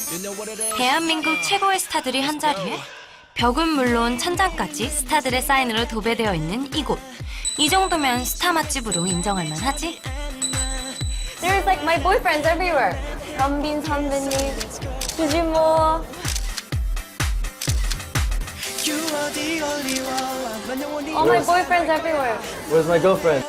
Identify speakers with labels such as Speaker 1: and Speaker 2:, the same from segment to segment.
Speaker 1: 대한민국 최고의 스타들이 한자리에 벽은 물론 천장까지 스타들의 사인으로 도배되어 있는 이곳. 이 정도면 스타 맛집으로 인정할 만하지?
Speaker 2: There's like my boyfriends everywhere. 현빈 선배님, 주진모. All my boyfriends everywhere.
Speaker 3: Where's my girlfriend?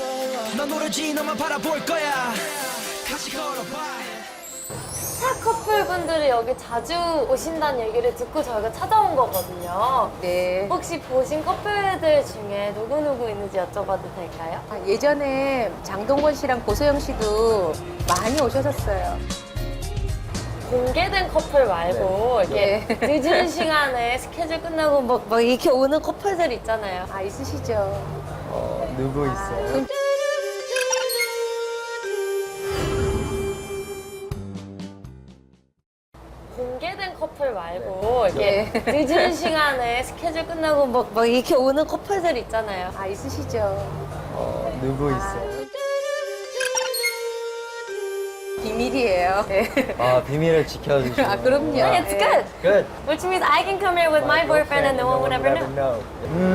Speaker 2: 스타 커플분들이 여기 자주 오신다는 얘기를 듣고 저희가 찾아온 거거든요.
Speaker 4: 네.
Speaker 2: 혹시 보신 커플들 중에 누구누구 있는지 여쭤봐도 될까요?
Speaker 4: 예전에 장동건 씨랑 고소영 씨도 많이 오셨었어요.
Speaker 2: 공개된 커플 말고 이렇게 늦은 시간에 스케줄 끝나고 막 이렇게 오는 커플들 있잖아요.
Speaker 4: 아, 있으시죠?
Speaker 3: 누구 있어요?
Speaker 2: 공개된 커플 말고 이렇게 늦은 시간에 스케줄 끝나고 막 이렇게 오는 커플들 있잖아요.
Speaker 4: 아, 있으시죠?
Speaker 3: 누구 있어요?
Speaker 4: 비밀이에요. 네.
Speaker 3: 아, 비밀을 지켜주시고.
Speaker 4: 아, 그럼요.
Speaker 2: It's good.
Speaker 3: Good.
Speaker 2: Which means I can come here with my boyfriend and no one would ever know.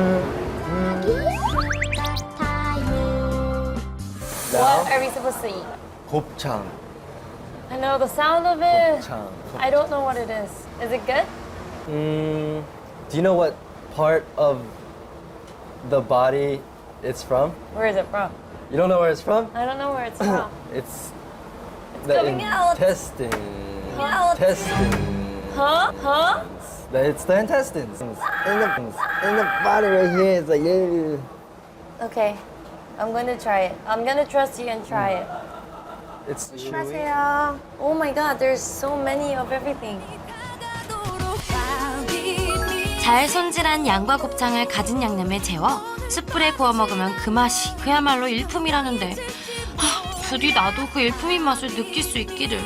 Speaker 2: What are we supposed to eat?
Speaker 3: 곱창.
Speaker 2: I know the sound of it.
Speaker 3: 곱창.
Speaker 2: I don't know what it is. Is it good?
Speaker 3: Do you know what part of the body it's from?
Speaker 2: Where is it from?
Speaker 3: You don't know where it's from?
Speaker 2: I don't know where it's from.
Speaker 3: It's
Speaker 2: coming out.
Speaker 3: intestine.
Speaker 2: Out.
Speaker 3: Intestine.
Speaker 2: Huh? Huh?
Speaker 3: It's the intestines. In the body right here. It's like, yeah.
Speaker 2: Okay. I'm gonna try it. I'm gonna trust you and try it.
Speaker 3: It's chewy.
Speaker 2: 안녕하세요. Oh my god, there's so many of everything.
Speaker 1: 잘 손질한 양과 곱창을 가진 양념에 재워 숯불에 구워 먹으면 그 맛이 그야말로 일품이라는데 부디 나도 그 일품인 맛을 느낄 수 있기를.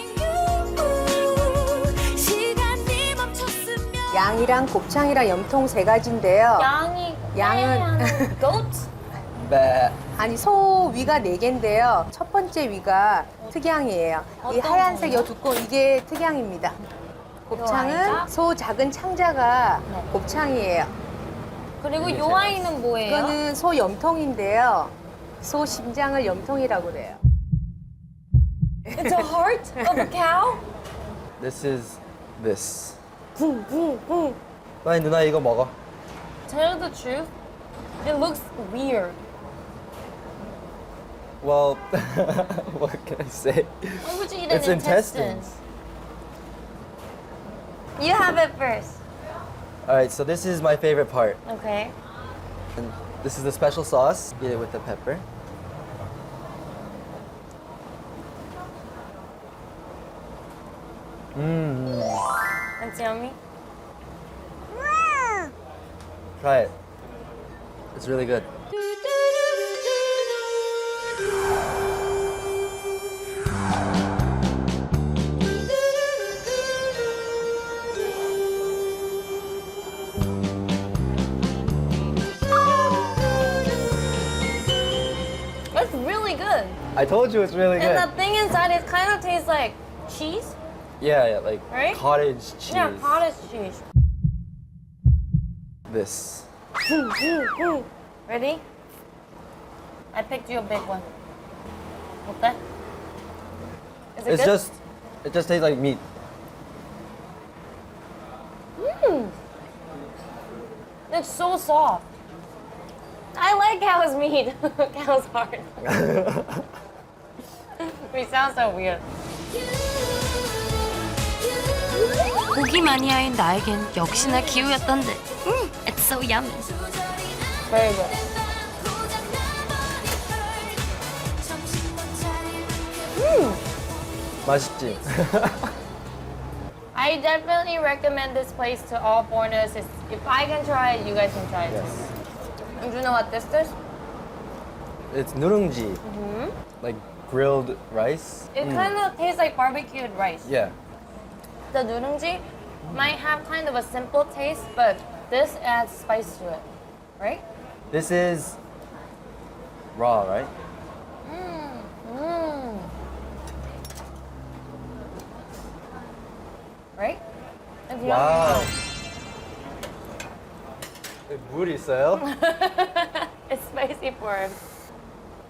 Speaker 4: 양이랑 곱창이랑 염통 세 가지인데요. 양은-
Speaker 2: goat?
Speaker 3: Bah.
Speaker 4: 아니, 소 위가 네 개인데요. 첫 번째 위가 특양이에요. 이
Speaker 2: 어떤
Speaker 4: 하얀색
Speaker 2: 거요?
Speaker 4: 요 두꺼운 이게 특양입니다.
Speaker 2: 아이가?
Speaker 4: 곱창은 소 작은 창자가
Speaker 2: 네.
Speaker 4: 곱창이에요.
Speaker 2: 그리고 요 아이는 뭐예요?
Speaker 4: 이거는 소 염통인데요. 소 심장을 염통이라고 그래요.
Speaker 2: It's a heart of a cow?
Speaker 3: This is this.
Speaker 2: 붕붕붕.
Speaker 3: 빨리 누나 이거 먹어.
Speaker 2: Tell the truth. It looks weird.
Speaker 3: Well, what can I say?
Speaker 2: Why would you eat
Speaker 3: It's
Speaker 2: an intestine?
Speaker 3: intestines.
Speaker 2: You have it first.
Speaker 3: All right, so this is my favorite part.
Speaker 2: Okay.
Speaker 3: And this is the special sauce. Get it with the pepper.
Speaker 2: That's yummy.
Speaker 3: Try it. It's really good.
Speaker 2: That's really good.
Speaker 3: I told you it's really
Speaker 2: And
Speaker 3: good.
Speaker 2: the thing inside, it kind of tastes like cheese.
Speaker 3: Yeah, like
Speaker 2: Right?
Speaker 3: cottage cheese.
Speaker 2: Yeah, cottage cheese.
Speaker 3: This.
Speaker 2: Ready? I picked you a big one. 어때? Is it
Speaker 3: It's
Speaker 2: good?
Speaker 3: it just tastes like meat.
Speaker 2: It's so soft. I like cow's meat. Cow's heart. We sound so weird.
Speaker 1: 고기 마니아인 나에겐 역시나 기우였던데. It's so yummy.
Speaker 2: Very good.
Speaker 3: 맛있지?
Speaker 2: I definitely recommend this place to all foreigners. If I can try it, you guys can try it
Speaker 3: Yes.
Speaker 2: too. And do you know what this is?
Speaker 3: It's 누룽지. Like grilled rice.
Speaker 2: It kind of tastes like barbecued rice.
Speaker 3: Yeah.
Speaker 2: The nurungji might have kind of a simple taste, but this adds spice to it, right?
Speaker 3: This is raw, right?
Speaker 2: right? If you
Speaker 3: 와우. 물 있어요?
Speaker 2: It's spicy for